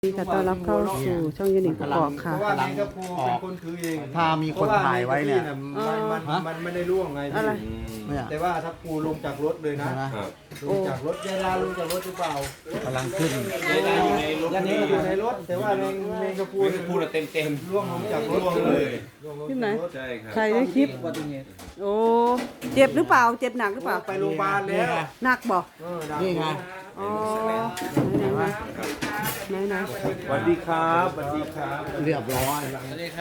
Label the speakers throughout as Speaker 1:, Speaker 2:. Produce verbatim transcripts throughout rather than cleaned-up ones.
Speaker 1: นี่ค่ะต้อนรับเข้าสู่ช่องยูนิคกอกค่ะ
Speaker 2: เพราะว่าแมงกะพรุนเป็นคนถือเอง
Speaker 3: ถ้ามีคนถ่ายไว้เนี่ย
Speaker 2: มันมันมันไม่ได้ร่วงไง
Speaker 1: อะไร
Speaker 3: เนี่ย
Speaker 2: แต่ว่าถ้าปูลงจากรถเลยนะ
Speaker 3: เห็นไหม
Speaker 2: ลงจากรถเวลาลงจากรถหรือเปล่าก
Speaker 3: ำลังขึ้น
Speaker 2: ยันนี้อยู่ในรถแต่ว่าแมงแมงกะพรุน
Speaker 4: พูดเต็มเต็ม
Speaker 2: ร่วงลงจากรถเลยร่วงลง
Speaker 1: ที่ไหน
Speaker 2: จากรถ
Speaker 4: ใช่ครับ
Speaker 1: ใครได้คลิปโอ้เจ็บหรือเปล่าเจ็บหนักหรือเปล่า
Speaker 2: ไปโรงพยาบาลแล้ว
Speaker 1: หนักบอก
Speaker 2: เออดั
Speaker 3: นี่ไง
Speaker 1: อ๋อไหนไหนไหน
Speaker 2: สวัสดีครับสวัสดีครับ
Speaker 3: เรียบร้อย
Speaker 1: ได้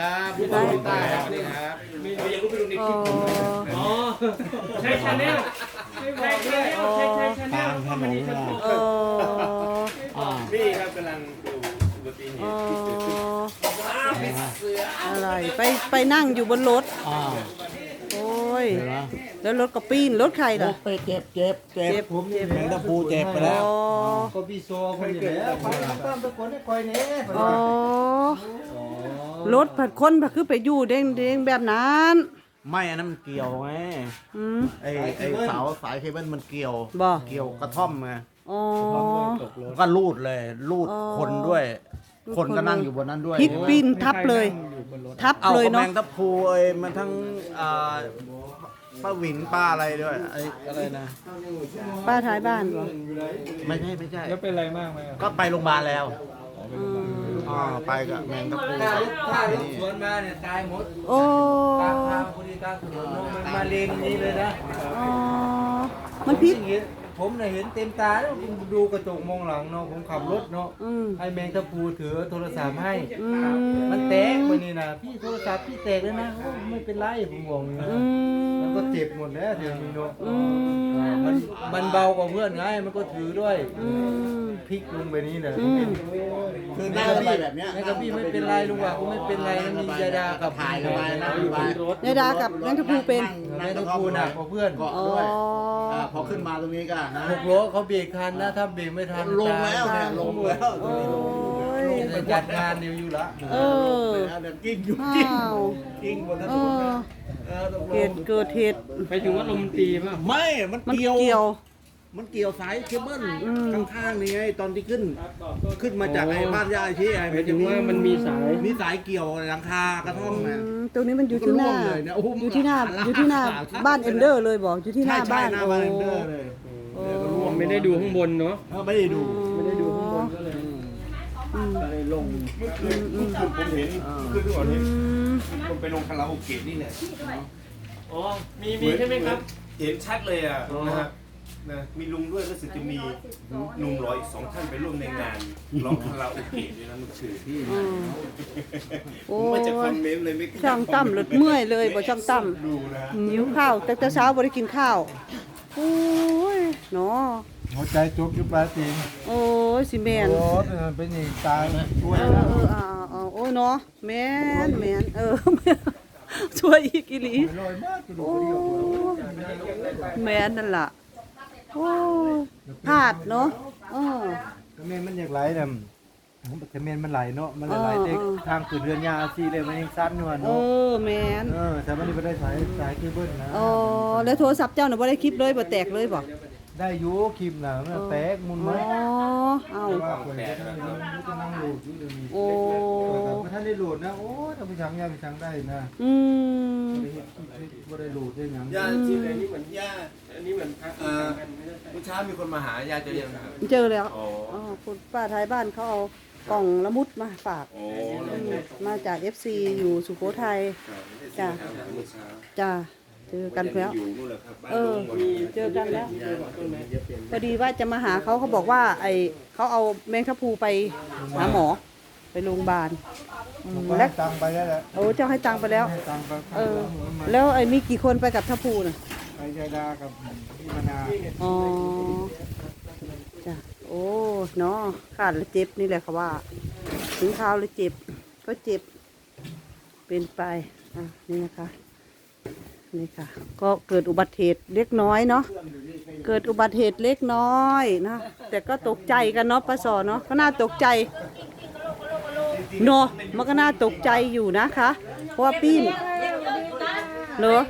Speaker 4: มีอยากรู้ไปดูใน
Speaker 1: อ๋
Speaker 4: ค
Speaker 1: อ
Speaker 4: ลิปอ๋อใช่ชาแนลใช่ชาแนลใช่ใช่ชาแน
Speaker 3: กลา
Speaker 4: ล
Speaker 3: งถนนเลย
Speaker 1: เออ
Speaker 3: อ่า
Speaker 4: นี่ครับกำลังดูอุบัติเห
Speaker 1: อ๋
Speaker 4: ตุที่เกิดขึ้น
Speaker 1: ออะไรไปไปนั่งอยู่บนรถ
Speaker 3: อ่า
Speaker 1: โอ้ย
Speaker 3: เห็นไหม
Speaker 1: แล้วรถก็ปีนรถใครเหรอ
Speaker 3: ไปเจ็บเจ็บเจ็บ
Speaker 1: เจ็บ
Speaker 3: ผมเจ็บแมงตะพูเจ็บไปแล้ว
Speaker 1: อ๋อ
Speaker 2: ก็พี่โซ่คนอยู่แล้วไปตามตะโกนให้คอยเนี้ย
Speaker 1: อ๋อรถผัดคนผัดคือไปอยู่เด้งเด้งแบบนั้น
Speaker 3: ไม่อันนั้นมันเกี่ยวไง
Speaker 1: อืม
Speaker 3: ไอ้ไอ้เสาสายเคเบิลมันเกี่ยว
Speaker 1: บ่
Speaker 3: เกี่ยวกระท่อมไง
Speaker 1: อ๋อ
Speaker 3: ก็ลูดเลยลูด
Speaker 1: อ๋อ
Speaker 3: คนด้วย
Speaker 1: ลูด
Speaker 3: คนก็
Speaker 1: คน
Speaker 3: นั่งอยู่บนนั้นด้วย
Speaker 1: พลิกปีนทับเลย ทับ
Speaker 3: เอา
Speaker 1: เลย
Speaker 3: กระแม
Speaker 1: เนาะ
Speaker 3: งตะพูไอ้มันทั้งอ่าป้าหวินป้าอะไรด้วยไอ้อะไรนะ
Speaker 1: ป้าท้ายบ้านบ่
Speaker 3: ไม่ใช่ไม่ใช่
Speaker 2: แล้วเป็นไรมากไหม
Speaker 3: ก็ไปโรงพยาบาลแล้ว
Speaker 1: อืม
Speaker 3: อ่าไปกับแมงตะพู
Speaker 2: ถ้ารถสวนมาเนี่ยตายหมด
Speaker 1: โอ้
Speaker 2: กลางทางพอดีกลางถนนเนอะมันมาเลนนี้เลยนะ
Speaker 1: อ๋อมันพิษ
Speaker 2: เห็นผมเนี่ยเห็นเต็มตาแล้วผมดูกระจกมองหลังเนาะผมขับรถเนาะ
Speaker 1: อืม
Speaker 2: ให้แมงตะพูถือโทรศัพท์ให้
Speaker 1: อื
Speaker 2: มันแตกไปนี่นะพี่โทรศัพท์พี่แตกแล้วนะโอ้ไม่เป็นไรผมบอกอย่างนี้
Speaker 1: อื
Speaker 2: นะ
Speaker 1: ม
Speaker 2: มันก็เจ็บหมดแล้วเดี๋ยวนี้เนาะ
Speaker 1: อืม
Speaker 2: มันมันเบากว่าเพื่อนไงมันก็ถือด้วย
Speaker 1: อืม
Speaker 2: พลิกลงไปนี่นะ
Speaker 1: อืม
Speaker 3: คือหน้าระบายแบบเนี้ย
Speaker 2: แม่กับพี่ไม่เป็นไรลุงว่ะกูไม่เป็นไรนะมียาดากับ
Speaker 3: ถ่ายระบายหน้าระบาย
Speaker 1: ยายดากับแมงกะพรูเป็น
Speaker 2: แม่ตะพูน่ะกว่าเพื่อน
Speaker 3: เกาะ
Speaker 1: อ๋อ
Speaker 3: ด้วยอ่าพอขึ้นมาตรงนี้ก็นะ
Speaker 2: หกล้อเขาเบรกทันนะถ้าเบรกไม่ทัน
Speaker 3: ลงแล้วเนี่ยลงแล้ว
Speaker 1: โอ้ย
Speaker 2: จะจัดงานอยู่อยู่ละ
Speaker 1: เออ
Speaker 3: เดี๋ยวกิ้งอยู่
Speaker 1: อ้า
Speaker 3: กิ้ง
Speaker 1: ว
Speaker 3: กิ้งบนถน
Speaker 1: เอน อ
Speaker 3: เออตกล
Speaker 1: เห
Speaker 3: ง
Speaker 1: ตุเกิดเหตุ
Speaker 4: ไปถึงว่าลมตีป่ะ
Speaker 3: ไม่ มัน
Speaker 1: มัน
Speaker 3: เกี่ยว
Speaker 1: เกี่ยว
Speaker 3: มันเกี่ยวสายเคเบิล
Speaker 1: อืม
Speaker 3: ข้างๆนี่ไงตอนที่ขึ้น ขึ้นมาจากไอ้บ้านยายที่ไอ้
Speaker 4: หมายถึงว่ามันมีสาย
Speaker 3: มีสายเกี่ยวหลังคากระท่อม
Speaker 1: อื
Speaker 3: นะ
Speaker 1: มตรงนี้มันอยู่ที่หน้า
Speaker 3: มันก็ร่วงเลยเนี่ยโอ้โห
Speaker 1: อยู่ที่หน้า
Speaker 3: มัน
Speaker 1: อยู่ที่หน้า
Speaker 3: ขาด
Speaker 1: บ้านเอนเดอร์เลยบอกอยู่ที่ห
Speaker 3: ใช่
Speaker 1: น้า
Speaker 3: ใช่
Speaker 1: บ้าน
Speaker 3: หน้า
Speaker 1: โอ้
Speaker 3: บ้านเดอร์เลย
Speaker 1: โอ้
Speaker 4: ไม่ได้ดูข้างบนเนาะ
Speaker 3: เออไม่ได้ดู
Speaker 1: ไม่ได้ดูข้างบน
Speaker 3: อืมก็เลยลง
Speaker 4: เมื่อคืนเมื่อคืนผมเห็นเมื่อคืนทุกคน
Speaker 1: อื
Speaker 4: เห็น
Speaker 1: ม
Speaker 4: ผมไปลงคาราโอเกะนี่แหละอ๋อมีมีใช่ไหมครับเห็นชัดเลยอ่ะนะครับนะมีลุงด้วยรู้สึกจะมีหนุ่มรออีกสองท่านไปร่วมในงานร้องคาราโอเกะด้วยนะเมื่อคืนที่
Speaker 1: อืม
Speaker 4: ผ
Speaker 1: โอ้
Speaker 4: มว่าจะคอมเมนต์เลยไม่กล้า
Speaker 1: ช่างตั้มหลุดเมื่อยเลยบอกช่างตั้ม
Speaker 4: ดูนะ
Speaker 1: หิวข้าวแต่แต่เช้าบ่ได้กินข้าวโอ้ยเนาะ
Speaker 2: หัวใจจุกอยู่ปลาตีน
Speaker 1: โอ้ยสิแมน
Speaker 2: รถเป็นอย่างตายช่วย
Speaker 1: เออ
Speaker 2: นะ
Speaker 1: เออเอาเอาโอ้ยเนาะแมนแมนเออ ช่วยอีกอีหลี
Speaker 2: ลอยมากกระดู
Speaker 1: โอ้
Speaker 2: กกระเดี่ยว
Speaker 1: แมนนั่นล่ะโอ้ยพลาดเนาะเออ
Speaker 2: ก็เมนมันอยากไหลเนี่ยแต่เมนมันไหลเนาะมันไหลเด็กทางขึ้นเรือนยาซีเลยมันยังสั้นอยู่อ่ะ
Speaker 1: เอ
Speaker 2: เนาะ
Speaker 1: อแมน
Speaker 2: เออแต่มันนี่ไม่ได้สายสายเคเบิลนะ
Speaker 1: อ๋อแล้วโทรศัพท์เจ้าน่ะบ่ได้คลิปเลยบ่แตกเลยบ่
Speaker 2: ได้อยูคลิปน่ะมันแตกมุน
Speaker 1: อ๋
Speaker 2: ไหม
Speaker 1: อเอา
Speaker 2: ว่าคนจะนั่งจะนั่งโหลดอยู่เดี๋ยวนี้
Speaker 1: โอ้
Speaker 2: แต่ถ้าได้โหลดนะโอ้ถ้าไปชังยาไปชังได้นะ
Speaker 1: อืม
Speaker 2: ไม่ได้เฮ็ดบ่ได้โหลดได้หยัง
Speaker 4: ยาที่อันนี้เหมือนยาอันนี้เหมือนพระเอ่อเมื่อเช้ามีคนมาหายาเจอยังครับ
Speaker 1: เจอแล้ว
Speaker 4: อ๋อ
Speaker 1: อ๋อคุณป้าท้ายบ้านเขาเอากล่องละมุดมาฝาก
Speaker 4: โอ้
Speaker 1: มาจาก เอฟ ซี อยู่สุโขทัย จ้ะ จ้าเจอกันแล้ว
Speaker 4: อยู่นู่นแหละครับบ้าน
Speaker 1: เออ
Speaker 4: ลุงหมด
Speaker 1: เจอกันแล้วพอดีว่าจะมาหาเขาเขาบอกว่าไอเขาเอาแมงทับพลูไปหาหมอ ไปโรงพยาบาลอืม
Speaker 2: แล้
Speaker 1: แล้ว ว
Speaker 2: ตังไปแล้วแหละ
Speaker 1: โอ้เจ้าให้ตังค์ไปแล้ว
Speaker 2: ให้ตังไป
Speaker 1: เออ แล้วไอ้มีกี่คนไปกับทับพลูน่ะ
Speaker 2: ไปยาดากับพี่มนา
Speaker 1: อ๋อจ้ะโอ้เนาะขาดแล้วเจ็บนี่แหละค่ะว่า ถึงเท้าแล้วเจ็บ ก็เจ็บ เป็นไปอ่ะนี่นะคะ นี่ค่ะ ก็เกิดอุบัติเหตุเล็กน้อยเนาะ เกิดอุบัติเหตุเล็กน้อยนะ แต่ก็ตกใจกันเนาะป้าสอเนาะ ก็น่าตกใจเนาะมันก็น่าตกใจอยู่นะคะ เพราะว่าปีนเนาะ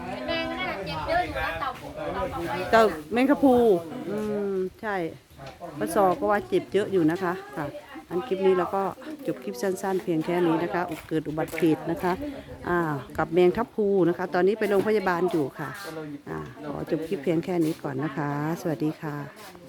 Speaker 1: เต่าแมงกะพรูอืมใช่ป้าสอก็ว่าเจ็บเยอะอยู่นะคะค่ะอันคลิปนี้เราก็จบคลิปสั้นๆ เพียงแค่นี้นะคะเกิดอุบัติเหตุนะคะอ่ากับแมงทับพลูนะคะ ตอนนี้ไปโรงพยาบาลอยู่ค่ะอ่าขอจบคลิปเพียงแค่นี้ก่อนนะคะ สวัสดีค่ะ